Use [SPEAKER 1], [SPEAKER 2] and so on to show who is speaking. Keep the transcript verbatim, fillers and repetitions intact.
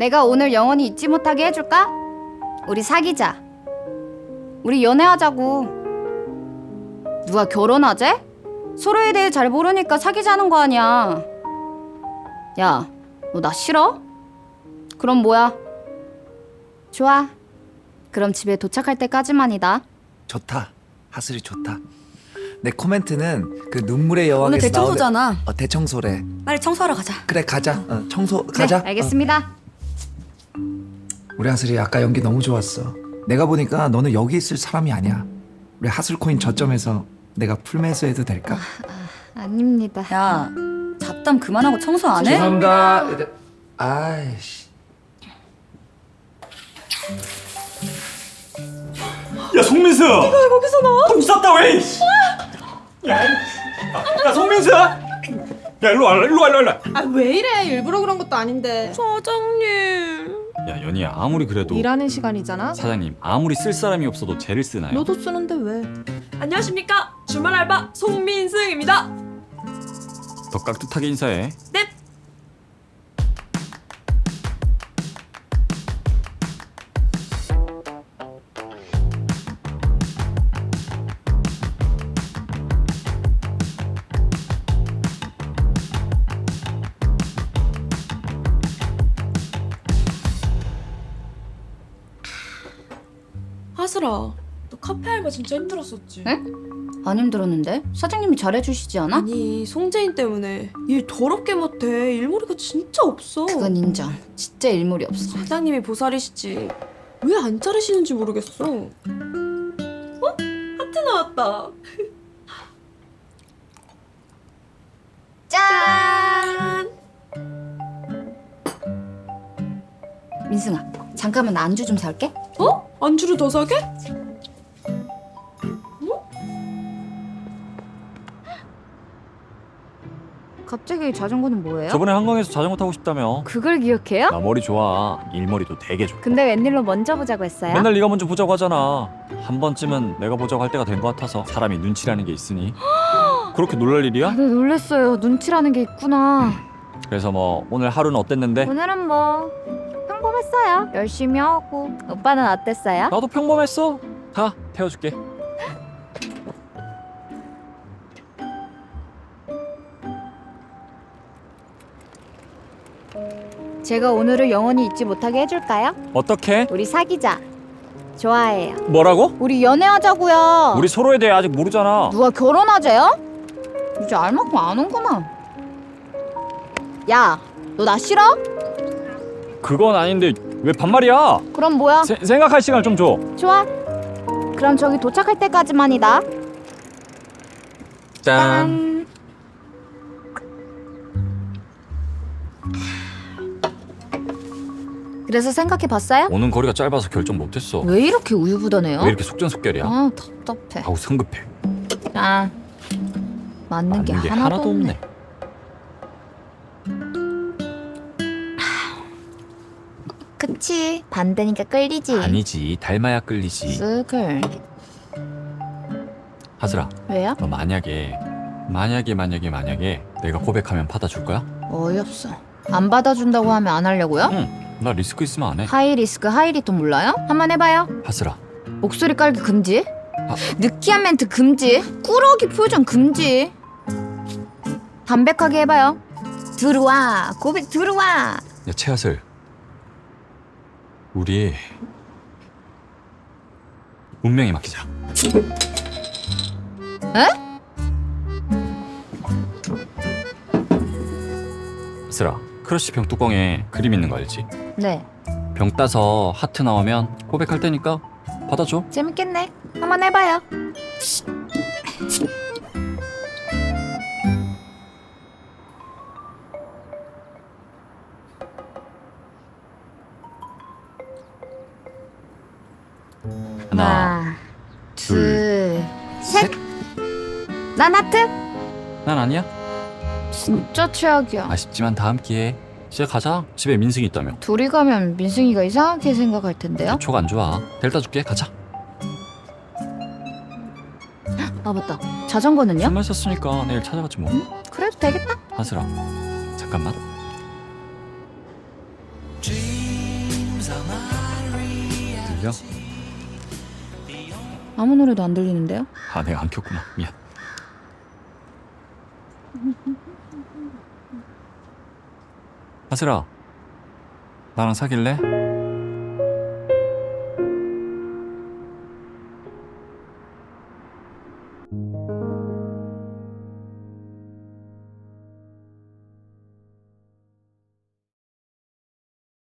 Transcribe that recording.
[SPEAKER 1] 내가 오늘 영원히 잊지 못하게 해줄까? 우리 사귀자. 우리 연애하자고. 누가 결혼하재? 서로에 대해 잘 모르니까 사귀자는 거 아니야. 야, 너 나 싫어? 그럼 뭐야? 좋아. 그럼 집에 도착할 때까지만이다.
[SPEAKER 2] 좋다. 하슬이 좋다. 내 코멘트는 그 눈물의 여왕에서
[SPEAKER 3] 오늘 대청소잖아.
[SPEAKER 2] 나오는- 어, 대청소래.
[SPEAKER 3] 빨리 청소하러 가자.
[SPEAKER 2] 그래 가자. 어, 청소 가자.
[SPEAKER 1] 네, 알겠습니다.
[SPEAKER 2] 어. 우리 하슬이 아까 연기 너무 좋았어. 내가 보니까 너는 여기 있을 사람이 아니야. 우리 하슬 코인 저점에서 내가 풀매수해도 될까?
[SPEAKER 1] 아닙니다.
[SPEAKER 3] 야, 잡담 그만하고 청소 안 해?
[SPEAKER 2] 죄송합니다. 아이씨.
[SPEAKER 4] 야 송민수! 네가 왜 거기서 나와? 똥 쌌다 왜! 이씨. 야, 야 송민수! 야 일로 와 일로 와 일로 와.
[SPEAKER 5] 아 왜 이래? 일부러 그런 것도 아닌데.
[SPEAKER 6] 사장님. 야 연희야 아무리 그래도
[SPEAKER 5] 일하는 시간이잖아.
[SPEAKER 6] 사장님 아무리 쓸 사람이 없어도 쟤를 쓰나요?
[SPEAKER 5] 너도 쓰는데 왜?
[SPEAKER 6] 안녕하십니까 주말 알바 송민승입니다. 더 깍듯하게 인사해. 네.
[SPEAKER 7] 하슬아, 너 카페 알바 진짜 힘들었었지?
[SPEAKER 1] 응? 안 힘들었는데? 사장님이 잘해주시지 않아?
[SPEAKER 7] 아니, 송재인 때문에 일 더럽게 못해. 일머리가 진짜 없어.
[SPEAKER 1] 그건 인정. 진짜 일물이 없어.
[SPEAKER 7] 사장님이 보살이시지. 왜 안 자르시는지 모르겠어. 어? 하트 나왔다.
[SPEAKER 1] 짠! 민승아, 잠깐만 나 안주 좀 사올게.
[SPEAKER 7] 어? 안주를 더 사게?
[SPEAKER 1] 갑자기 자전거는 뭐예요?
[SPEAKER 6] 저번에 한강에서 자전거 타고 싶다며.
[SPEAKER 1] 그걸 기억해요?
[SPEAKER 6] 나 머리 좋아. 일머리도 되게 좋고.
[SPEAKER 1] 근데 웬일로 먼저 보자고 했어요?
[SPEAKER 6] 맨날 네가 먼저 보자고 하잖아. 한 번쯤은 내가 보자고 할 때가 된 것 같아서. 사람이 눈치라는 게 있으니. 그렇게 놀랄 일이야?
[SPEAKER 1] 네, 놀랬어요. 눈치라는 게 있구나.
[SPEAKER 6] 그래서 뭐 오늘 하루는 어땠는데?
[SPEAKER 1] 오늘은 뭐 평범했어요. 열심히 하고. 오빠는 어땠어요?
[SPEAKER 6] 나도 평범했어. 가 태워줄게.
[SPEAKER 1] 제가 오늘을 영원히 잊지 못하게 해줄까요?
[SPEAKER 6] 어떻게?
[SPEAKER 1] 우리 사귀자. 좋아해요.
[SPEAKER 6] 뭐라고?
[SPEAKER 1] 우리 연애하자고요.
[SPEAKER 6] 우리 서로에 대해 아직 모르잖아.
[SPEAKER 1] 누가 결혼하재요? 이제 알만큼 아는구나. 야, 너 나 싫어?
[SPEAKER 6] 그건 아닌데 왜 반말이야?
[SPEAKER 1] 그럼 뭐야?
[SPEAKER 6] 세, 생각할 시간을 좀 줘.
[SPEAKER 1] 좋아. 그럼 저기 도착할 때까지만이다. 짠. 그래서 생각해봤어요?
[SPEAKER 6] 오는 거리가 짧아서 결정 못했어.
[SPEAKER 1] 왜 이렇게 우유부단해요?
[SPEAKER 6] 왜 이렇게 속전속결이야?
[SPEAKER 1] 아, 답답해.
[SPEAKER 6] 아우 성급해.
[SPEAKER 1] 짠. 맞는 게,
[SPEAKER 6] 맞는 게
[SPEAKER 1] 하나도,
[SPEAKER 6] 하나도
[SPEAKER 1] 없네.
[SPEAKER 6] 없네.
[SPEAKER 1] 그치. 반대니까 끌리지.
[SPEAKER 6] 아니지 닮아야 끌리지.
[SPEAKER 1] 스글.
[SPEAKER 6] 하슬아
[SPEAKER 1] 왜요?
[SPEAKER 6] 너 만약에 만약에 만약에 만약에 내가 고백하면 받아줄 거야?
[SPEAKER 1] 어이없어. 안 받아준다고 하면 안 하려고요?
[SPEAKER 6] 응. 나 리스크 있으면 안 해.
[SPEAKER 1] 하이 리스크 하이 리턴 몰라요? 한번 해봐요.
[SPEAKER 6] 하슬아
[SPEAKER 1] 목소리 깔기 금지.
[SPEAKER 6] 아.
[SPEAKER 1] 느끼한 멘트 금지. 꾸러기 표정 금지. 담백하게 해봐요. 들어와. 고백 들어와.
[SPEAKER 6] 야 최하슬 우리 운명에 맡기자.
[SPEAKER 1] 에?
[SPEAKER 6] 하슬아 크러쉬 병 뚜껑에 그림 있는 거 알지?
[SPEAKER 1] 네.
[SPEAKER 6] 병 따서 하트 나오면 고백할 테니까 받아줘.
[SPEAKER 1] 재밌겠네. 한번 해봐요.
[SPEAKER 6] 하나
[SPEAKER 1] 둘, 셋. 난 하트.
[SPEAKER 6] 난 아니야.
[SPEAKER 1] 진짜 최악이야.
[SPEAKER 6] 아쉽지만 다음 기회에 이제 가자. 집에 민승이 있다며.
[SPEAKER 1] 둘이 가면 민승이가 이상하게 생각할 텐데요.
[SPEAKER 6] 촉 안 좋아. 델타 줄게. 가자.
[SPEAKER 1] 아 맞다. 자전거는요?
[SPEAKER 6] 술 마셨으니까 내일 찾아가지 뭐.
[SPEAKER 1] 그래도 되겠다.
[SPEAKER 6] 하슬아 잠깐만.
[SPEAKER 2] Dream
[SPEAKER 6] 들려?
[SPEAKER 1] 아무 노래도 안 들리는데요?
[SPEAKER 6] 아 내가 안 켰구나. 미안. 하슬아, 나랑 사귈래?